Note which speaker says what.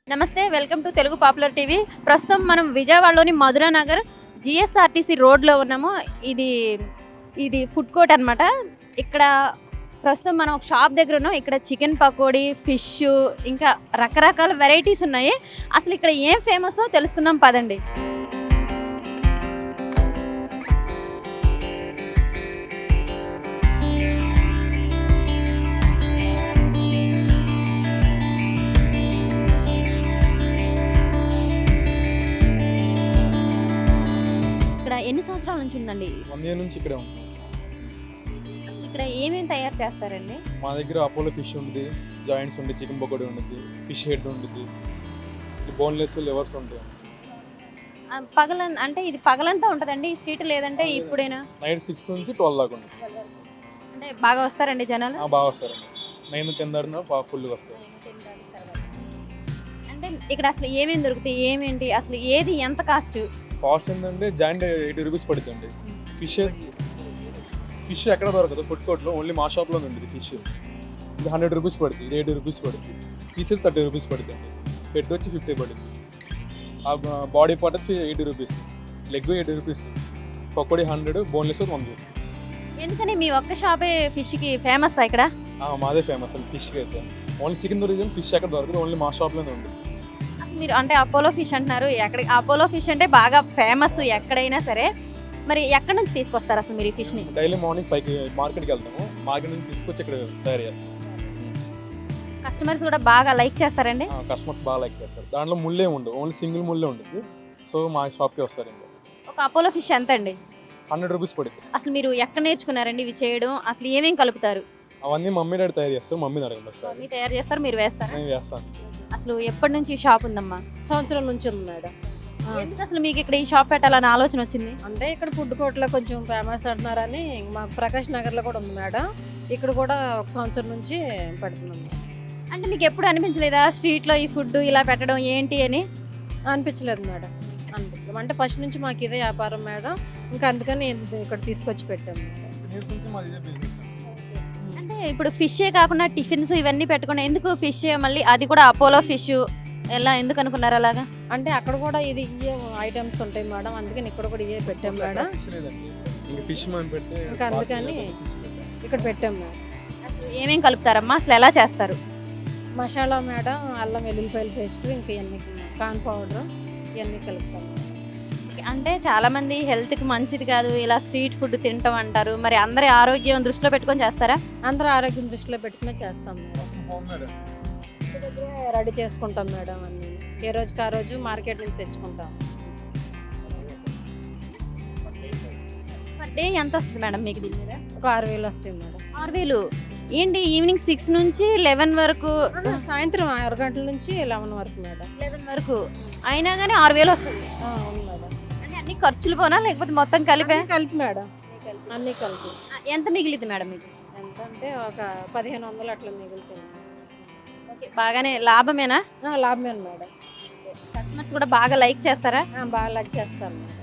Speaker 1: నమస్తే, welcome to Telugu popular TV. ప్రస్తుతం మనం విజయవాడలోని మధురా నగర్ జిఎస్ఆర్టీసీ రోడ్లో ఉన్నాము. ఇది ఇది ఫుడ్ కోర్ట్ అనమాట. ఇక్కడ ప్రస్తుతం మనం ఒక షాప్ దగ్గర ఉన్నాం. ఇక్కడ చికెన్ పకోడీ, ఫిష్, ఇంకా రకరకాల వెరైటీస్ ఉన్నాయి. అసలు ఇక్కడ ఏం ఫేమస్ తెలుసుకుందాం పదండి. ఎన్ని సంవత్సరాల నుంచి ఉందండి?
Speaker 2: 1 year నుంచి ఇక్కడే ఉంటాం.
Speaker 1: ఇక్కడ ఏమేమి తయారు చేస్తారండి?
Speaker 2: మా దగ్గర అపోలో ఫిష్ ఉంటుంది, జాయింట్స్ ఉంటుంది, చికెన్ పకోడీ ఉంటుంది, ఫిష్ హెడ్ ఉంటుంది, బోన్లెస్ లివర్స్ ఉంటాయి.
Speaker 1: అంటే ఇది పగలంతా ఉంటుందండి ఈ స్ట్రీట్, లేదంటే ఇప్పుడేనా?
Speaker 2: నైట్ 6 నుంచి 12 దాకా ఉంటుంది.
Speaker 1: అంటే బాగా వస్తారండి జనాలు?
Speaker 2: బాగా వస్తారండి. 9-10 దాకా ఫుల్గా వస్తారు.
Speaker 1: అంటే ఇక్కడ అసలు ఏమేమి దొరుకుతాయి, ఏమేంటి, అసలు ఏది ఎంత కాస్ట్?
Speaker 2: కాస్ట్ ఏంటంటే జాయింట్ 80 రూపీస్ పడుతుంది. ఫిష్ ఎక్కడ దొరకదు ఫుడ్ కోర్ట్లో, ఓన్లీ మా షాప్లో ఉంటుంది. ఫిష్ ఇది 100 రూపీస్ పడుతుంది, ఇది 80 రూపీస్ పడుతుంది. పీసెస్ 30 రూపీస్ పడుతుంది. హెడ్ వచ్చి 50 పడుతుంది. బాడీ పార్ట్ వచ్చి 80 rupees, leg 80 rupees, pakodi 100, boneless 100.
Speaker 1: ఎందుకని మీ ఒక్క షాపే ఫిష్కి ఫేమస్ ఇక్కడ?
Speaker 2: మాదే ఫేమస్ అండి ఫిష్కి అయితే. ఓన్లీ చికెన్ దొరికింది, ఫిష్ ఎక్కడ దొరకదు, ఓన్లీ మా షాప్లోనే ఉంది.
Speaker 1: మీరు అంటే అపోలో ఫిష్ అంటున్నారు, ఎక్కడ అపోలో ఫిష్ అంటే బాగా ఫేమస్ ఎక్కడైనా సరే. మరి ఎక్కడి నుంచి తీసుకొస్తారు అసలు మీరు ఈ ఫిష్ని?
Speaker 2: డైలీ మార్నింగ్ 5కి మార్కెట్కి వెళ్తాము. మార్కెట్ నుంచి తీసుకొచ్చి ఇక్కడ తయారు చేస్తాం.
Speaker 1: కస్టమర్స్ కూడా బాగా లైక్ చేస్తారండి?
Speaker 2: కస్టమర్స్ బాగా లైక్ చేస్తారు. దాంట్లో ముళ్ళే ఉండవు, ఓన్లీ సింగిల్ ముళ్ళే ఉంటుంది. సో మా షాప్కి వస్తారండి.
Speaker 1: ఒక అపోలో ఫిష్ ఎంత అండి?
Speaker 2: 100 రూపీస్ పడుతుంది.
Speaker 1: అసలు మీరు ఎక్కడ నేర్చుకున్నారండి ఇవి చేయడం? అసలు ఏమేమి కలుపుతారు?
Speaker 2: అవన్నీ మమ్మీ డాడీ తయారు చేస్తారు. మమ్మీ అడగండి.
Speaker 1: మమ్మీ తయారు చేస్తారు, మీరు వేస్తారా?
Speaker 2: నేను చేస్తాను.
Speaker 1: అసలు ఎప్పటి నుంచి ఈ షాప్ ఉందమ్మా?
Speaker 3: సంవత్సరం నుంచి ఉంది మేడం.
Speaker 1: ఎందుకు అసలు మీకు ఇక్కడ ఈ షాప్ పెట్టాలని ఆలోచన వచ్చింది?
Speaker 3: అంటే ఇక్కడ ఫుడ్ కోర్ట్లో కొంచెం ఫేమస్ అంటున్నారని, మాకు ప్రకాష్ నగర్లో కూడా ఉంది మేడం. ఇక్కడ కూడా ఒక సంవత్సరం నుంచి పెడుతున్నాం.
Speaker 1: అంటే మీకు ఎప్పుడు అనిపించలేదా స్ట్రీట్లో ఈ ఫుడ్ ఇలా పెట్టడం ఏంటి అని?
Speaker 3: అనిపించలేదు మేడం, అనిపించలేదు. అంటే ఫస్ట్ నుంచి మాకు ఇదే వ్యాపారం మేడం, ఇంకా అందుకని ఇక్కడ తీసుకొచ్చి పెట్టాము.
Speaker 1: అంటే ఇప్పుడు ఫిషే కాకుండా టిఫిన్స్ ఇవన్నీ పెట్టుకున్నా, ఎందుకు ఫిష్ మళ్ళీ అది కూడా అపోలో ఫిష్ ఎలా ఎందుకు అనుకున్నారు అలాగా?
Speaker 3: అంటే అక్కడ కూడా ఇది ఇవే ఐటమ్స్ ఉంటాయి మేడం, అందుకని ఇక్కడ కూడా ఇవే పెట్టాం మేడం. ఇంకా అందుకని ఇక్కడ పెట్టాం మేడం.
Speaker 1: అసలు ఏమేమి కలుపుతారమ్మా, అసలు ఎలా చేస్తారు?
Speaker 3: మసాలా మేడం, అల్లం వెల్లుల్లిపాయల పేస్ట్, ఇంకా ఇవన్నీ కార్న్ పౌడర్, ఇవన్నీ కలుపుతాం.
Speaker 1: అంటే చాలా మంది హెల్త్కి మంచిది కాదు ఇలా స్ట్రీట్ ఫుడ్ తింటాం అంటారు, మరి అందరి ఆరోగ్యం దృష్టిలో పెట్టుకొని చేస్తారా?
Speaker 3: అందరూ ఆరోగ్యం దృష్టిలో పెట్టుకునే చేస్తాం మేడం. రెడీ చేసుకుంటాం మేడం అన్ని, ఏ రోజుకి ఆ రోజు మార్కెట్ నుంచి తెచ్చుకుంటాం.
Speaker 1: పర్ డే ఎంత వస్తుంది మేడం మీకు దీని మీద?
Speaker 3: ఒక 6,000 వస్తాయి మేడం.
Speaker 1: 6,000 ఏంటి? ఈవినింగ్ 6 నుంచి 11 వరకు?
Speaker 3: సాయంత్రం 6 గంటల నుంచి 11 వరకు మేడం.
Speaker 1: 11 వరకు అయినా కానీ 6,000 వస్తుంది?
Speaker 3: అవును మేడం.
Speaker 1: అంటే అన్ని ఖర్చులు పోనా లేకపోతే మొత్తం కలిపి?
Speaker 3: కలిపి మేడం, అన్నీ కలిపి.
Speaker 1: ఎంత మిగిలింది మేడం మీకు?
Speaker 3: ఎంత అంటే ఒక 1,500 అట్లా మిగులుతుంది.
Speaker 1: ఓకే, బాగానే లాభమేనా?
Speaker 3: లాభమే మేడం.
Speaker 1: కస్టమర్స్ కూడా బాగా లైక్ చేస్తారా?
Speaker 3: బాగా లైక్ చేస్తాను మేడం.